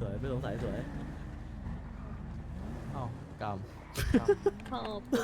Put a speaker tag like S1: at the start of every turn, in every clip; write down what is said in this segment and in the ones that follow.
S1: วยไม่สงสัยสวย
S2: เอ้าก
S3: ขอบ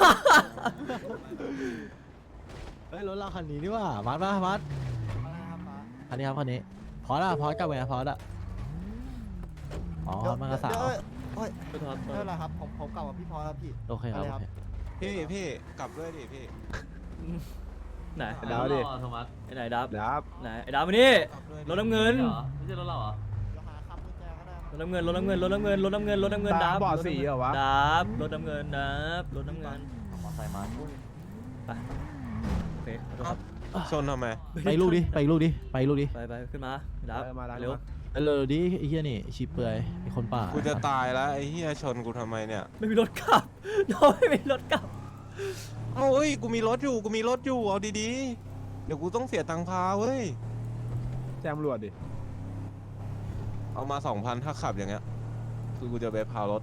S2: ำเฮ้ยรถเราคันนี้นี่ว่ามัดป่ะมัดคันนี้ครับคันนี้พอละพอกลับไปนะพอละอ๋อมันกระสาว
S1: ไม่ทอด
S4: ไม่เป็นไรครับผมกลับกับพี่พอแล้วพี่
S2: โอเคครับโอเค
S5: พี่กลับด้วยดิพี่
S1: ไหน
S2: ดาวดิ
S6: โทมัส
S1: ไอ้ไหนดับ
S2: ดับ
S1: ไหนไอ้ดับมานี่
S5: กลับด้วย
S1: รถน้ำเงิน
S6: เหรอไม่ใช่รถเราเหรอ
S4: เดี๋ยวหาคำกุญแจก็ได้ครับ
S1: รถน้ำเงินรถน้ำเงินรถน้ำเงินรถน้ำเงินรถน้ำเงินดับ
S2: บ่อสีเหรอวะ
S1: ดับรถน้ำเงินดับรถน้ำเงิน
S6: มอไซค์มา
S1: ไปโอเคขอโทษครับ
S5: ชนทำไม
S2: ไปลูกดิไปลูกดิไปลูกดิ
S1: ไปขึ้นมาดับเร็ว
S2: ไปเลยดิไอ้เหี้ยนี่ชีเปลือยมีคนป่า
S5: กูจะตายแล้วไอ้เหี้ยชนกูทำไมเนี่ย
S1: ไม่มีรถกลับเราไม่มีรถกลับ
S5: เอ้าเอ้ยกูมีรถอยู่เอาดีๆเดี๋ยวกูต้องเสียตังค์พาเว้ย
S2: แจมรวดดิ
S5: เอามา 2,000ถ้าขับอย่างเงี้ยคือกูจะไปพารถ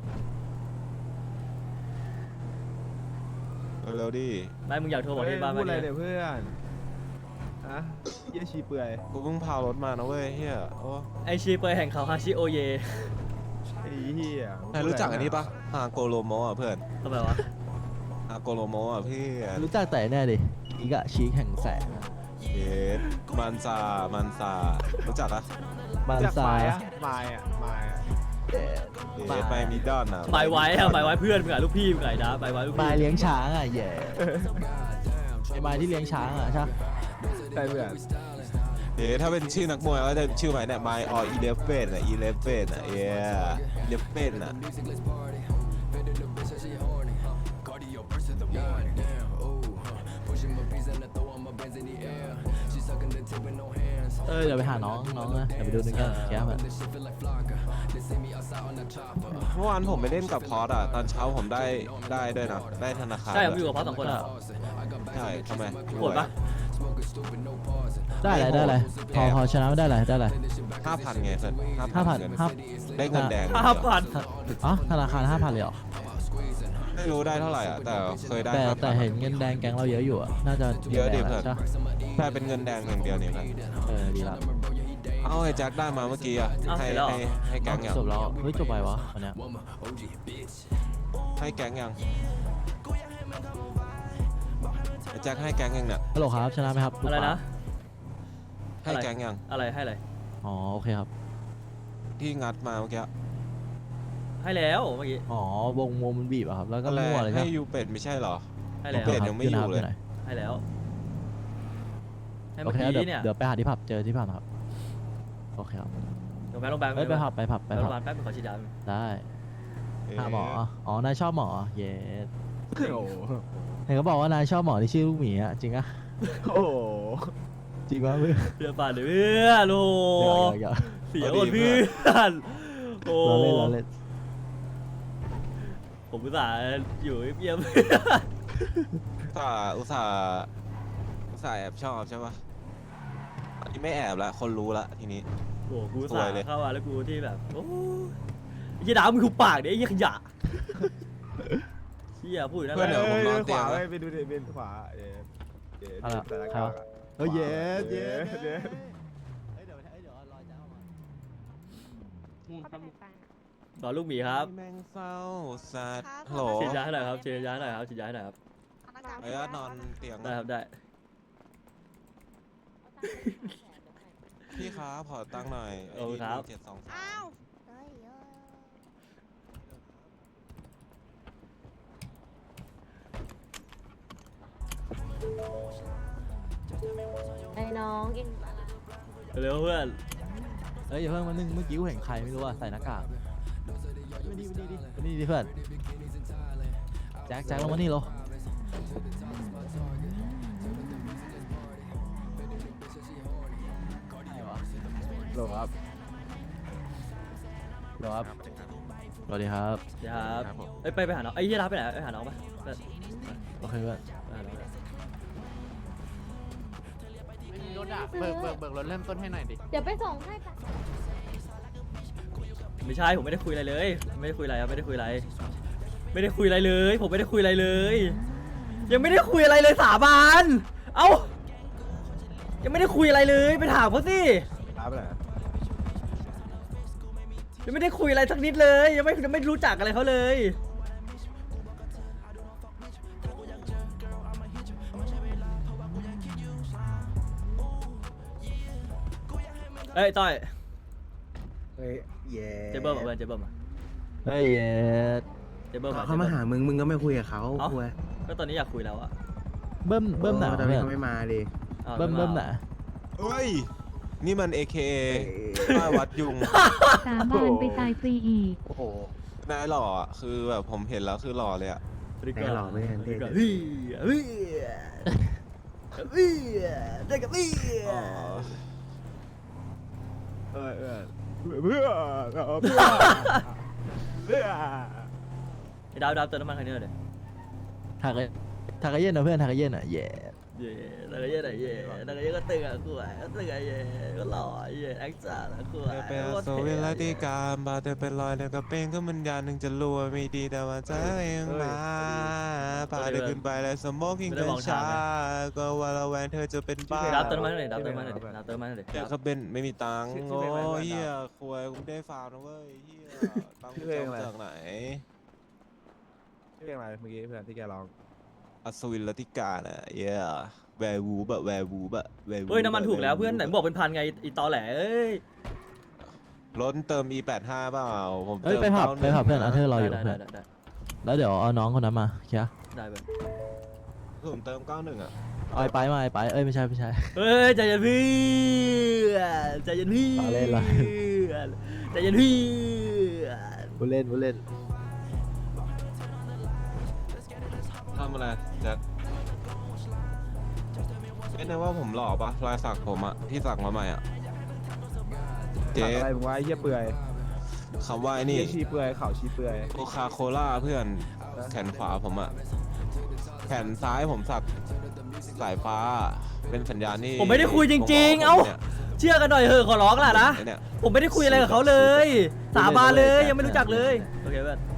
S5: เร็วๆดิ
S1: ไม่มึงอยากโทรบอกที่บ้าน
S2: พู
S1: มา
S2: ดอะไร
S1: เนี่ย
S2: เนี่ยเพื่อนฮะเหี้ยชีเปลือย
S5: กูเพิ่งพารถมานะเว้ยเฮียโอ้
S1: ไอชีเปอร์แห่งเขาฮาชิโอเย
S2: ไอ้เหี้ย
S5: นายรู้จักอันนี้ปะอาโกโลโมอ่ะเพื่อน
S1: ทำไมวะ
S5: อาโกโลโมอ่ะพี่
S2: รู้จักแต่แน่ดิอีกอะชีแห่งแสง
S5: เอสมันซารู้จักอะ
S2: บานซาย
S4: มายอ่ะมายอ่ะ
S5: เอสไปมิดดอนอ่ะ
S1: หมายไว้อะหมายไว้เพื่อนมึงอะลูกพี่มึงไงนะหมายไว้ลูก
S2: มา
S1: พี่
S2: เลี้ยงช้างอ่ะแย่ไอ้ไม้ที่เลี้ยงช้างอ่ะใช่ใช่เพื่อน
S5: เดี๋ยวถ้าเป็นชื่อนักมวยก็จะชื่อใหม่เนี่ย My or Eleven อ่ะ Eleven อ่ะ yeah Eleven อ่ะ
S2: เดี๋ยวไปหาน้องนะเดี๋ยวไปดูนึงกันแก้มอ่ะ
S5: เมื่อวานผมไปเล่นกับพอสอ่ะ ตอนเช้าผมได้ด้วยนะ ได้ธนาคาร
S1: ใช่ผมอยู่กับพ่อสองคนอะ
S5: ใช่ทำไม
S1: โหดปะ
S2: ได้อะไรพอชนะไม่ได้อะไร
S5: 5,000ไงเพื่อน
S2: 5,000
S5: เงิน
S2: 5
S5: ได้เงินแดง
S1: 5,000
S2: อ๋อธนาคาร 5,000เลยเหรอ
S5: ไม่รู้ได้เท่าไหร่อ่ะ แต่เคยได้
S2: แต่
S5: 5,000
S2: เห็นเงินแดงแก๊งเราเยอะอยู่อ่ะน่าจะ
S5: เยอะดิ
S2: งินแดง
S5: เพื่อน
S2: ใช่
S5: แค่เป็นเงินแดงอย่างเดียวเนี่ยเพื่อน
S2: ดีละ
S5: เอาไอ้แจ็คได้มาเมื่อกี้อ่ะ ให้แก๊งยัง
S2: จบแล้วเฮ้ยจบไปวะวันเนี้ย
S5: ให้แก๊งยังไอ้แจ็คให้แก๊งยังเนี่ย
S2: ฮัลโหลครับชนะไหมครับ
S1: อะไรนะ
S5: ให้แก๊งยัง
S1: อะไรให้อะไร
S2: อ๋อโอเคครับ
S5: ที่งัดมาเมื่อกี้
S1: ให้แล้วเมื่อกี้
S2: อ๋อวงมันบีบอะครับแล้วก็
S5: อะไร
S2: มั่วเลยค
S5: ให้
S2: รับ
S5: ยูเป็ดไม่ใช่เหรอ
S1: ให้แล้ว
S5: เปลี่ยนยังไม่อยู่เลย
S1: ให้แล้วให้
S2: โอ
S1: เมื่อ
S2: เค
S1: กี้เนี่ย
S2: เดี๋ยวไปหาที่ผับเจอที่ผับครับโอเคครับ
S1: ลงแบงค์
S2: ไปผับ
S1: ไปโรงพยาบาลแป๊บนึงขอฉีดยา
S2: ได้
S5: เอ๊ะ
S2: หาหมออ๋อนายชอบหมอเย้เห็นเขาบอกว่านายชอบหมอที่ชื่อลูกหมีอะจริงอะโอ้จริงวะเพื่อน
S1: เพื่อนป่านเพื่อนโอ้
S2: อย่า
S1: เสียหมดเพื่อนโอ้
S2: เราเล่น
S1: ผมอุตส่าห์อยู่เยี่ยม
S5: อุตส่าห์แอบชอบใช่ปะอันนี้ไม่แอบละคนรู้ละทีนี้
S1: โอ้กูอุต
S5: ส
S1: ส่า
S5: วย
S1: ห์
S5: เลย
S1: เข้ามาแล้วกูที่แบบโอ้ยยี่ดาวมึงคือปากเนี่ยไอ้ยี่ขยะเฮียพูดอยู่นั่นแห
S5: เพื่อนเดี๋ยว
S1: ละ
S5: ผมนอนเตียงนะ
S7: ไปดูดิเป็นขวาเย้เย้
S2: อะไร
S7: แต่ละ
S2: ครั
S7: กา
S2: บ
S7: กอะ
S2: เย้
S7: เย้เย้
S2: เดี๋ยวรอจ้ามา
S1: สอนลูกหมีครับ
S5: แมงเศร้าสัตว์ฮัลโหล
S1: ฉีดยาให้หน่อยครับฉีดยาให้หน่อยครับฉีดยาให้หน่อยครับ
S5: ไอ้ญาตินอนเตียง
S1: ได้ครับได้
S5: พี่ครับขอตังค์หน่อย
S1: โอ้ครับ
S5: 723
S3: อ้าวไอ้น้องกิน
S1: เร็วเพื่อน
S2: อย่าเพิ่งมานึงเมื่อกี้กูเห็นใครไม่รู้ว่าใส่หน้ากากมานี่ดิเพื่อนแจ็คลงมานี่โลโหลครับสวัสดีครับ
S1: เดี๋ยวครับเอ้ยไปหาน้องไอ้ยี่รับไปไหนไปหาน้องปะไป
S2: โอเคเพื่อน
S1: หาน้องไป
S8: ไม่มีรถอ่ะเบิกรถเริ่มต้นให้หน่อยดิ
S3: เดี๋ยวไปส่งให้ปะ
S1: ไม่ใช่ผมไม่ได้คุยอะไรเลยไม่ได้คุยอะไรครับไม่ได้คุยอะไรไม่ได้คุยอะไรเลยผมไม่ได้คุยอะไรเลย ยังไม่ได้คุยอะไรเลยสาบานเอ้ายังไม่ได้คุยอะไรเลยไปถามเขาสิ
S7: รับไปไหน
S1: ยังไม่ได้คุยอะไรสักนิดเลย ยังไม่รู้จักอะไรเขาเลยเอ้ยต้อย
S6: เฮ้ยเย่
S1: เจเบิ้มมาเพื่อนเจเบิ้มมา
S2: เฮ้ยเย็ด
S1: เจเบิ้มมา
S6: เขามาหามึงก็ไม่คุยกับเขา
S1: เอ้า
S6: คุย
S1: ก็ตอนนี้อยากคุยแล้วอะ
S2: เบิ้มหนา
S6: แต่
S2: เพื่อน
S6: เขาไม่มาดิ
S1: อ้าว
S2: เบิ้ม
S1: ไา
S2: หนา
S5: เฮ้ย นี่มัน AKA ป้ายวัดยุง
S9: สาบานไปตายฟรีอีก
S4: โอ้โห
S5: นายหล่ออ่ะ คือแบบผมเห็นแล้วคือหล่อเลยอ่ะ
S6: แน่หรอไม่ทันเทศ
S1: เฮ้ยเฮ้ยเฮ้ยได้กับพี่
S5: อ๋อ
S7: เพื่อนเพื่อน
S1: ดาวเติมน้ำมันคันนี้หน่อยดิ
S2: ถักกะเย็นนะเพื่อนถักกะเย็นอ่ะเย่
S1: เย่นักเรียนไหนเย่นักเรียนก็ตึงอ่ะกูอ่ะก็ตึงอ่ะเย่ก็หล่อเย่แอคจ่าแล้วกูอ่ะ
S5: เป็นโซเวลาติการบาเธอเป็นรอยเดียวกับเป็นก็มันยานหนึ่งจะรัวไม่ดีแต่ว่าใจเองมาพาเธอขึ้นไปแล้วสมองกินกันช้าก็ว่าระแวงเธอจะเป็นบ้า
S1: ดาวเติมน้ำมันหน่อยดาวเติมน้ำมันหน่อยดาวเติมน้ำมันหน่อย
S5: เดี๋ยวเขาเป็นไม่มีตังค์โอ้ยเฮียควยกูไม่ได้ฟาวนะเว้ยเฮียตังค์กูจะเอาจากไหน
S7: ชื่ออะไรเมื่อกี้เพื่อนที่แกร้อง
S5: อัศวินลัติกาน่ะเย้แวร์วูบะแวร์วูบะแวร์วู
S1: เฮ้ยน้ำมันถูกแล้วเพื่อนไหนบอกเป็นพันไงอีตอแหลเอ้ย
S5: ล้นเติม E85 เปล่าผม
S2: เอ้ย
S5: เติม
S2: ไปผับ
S5: 91
S2: เพื่อนอาเธอร์รออยู่
S1: ได้
S2: เพื่อน
S1: ได้
S2: แล้วเดี๋ยวเอาน้องคนนั้นมาเชียร์
S1: ได้เพื่อน
S5: ผมเติม91อ่ะ
S2: เอาไอ้ไปมาไอ้ไปเอ้ยไม่ใช่
S1: เฮ้ยใจเย็นพี่ใจเย็นพี่
S2: รอเล่นรอเล่น
S1: ใจเย็นพี่
S2: ผู้เล่น
S5: ทำอะไรแจ็คเอ๊ะนะว่าผมหล่อปะรอยสักผมอะที่สักมาใหม่อะเจ๊
S7: สั่งอะไรมึงวะไอ้เหี้ยเปื่อย
S5: คำว่าไอ้
S7: เหี้
S5: นี่
S7: ยชีเปื่อยเข่าชีเปื่อย
S5: โคคาโคล่าเพื่อนแขนขวาผมอะแขนซ้ายผมสักสายฟ้าเป็นสัญญาณที่
S1: ผมไม่ได้คุยจริงๆเอ้า
S5: นี่ย
S1: เชื่อกันหน่อยเถอะขอร้องล่ะนะ
S5: ไอ้เนี่ย
S1: ผมไม่ได้คุยอะไรกับเขาเลย สาบานเลยยังไม่รู้จักเลยโอเคเพื่อน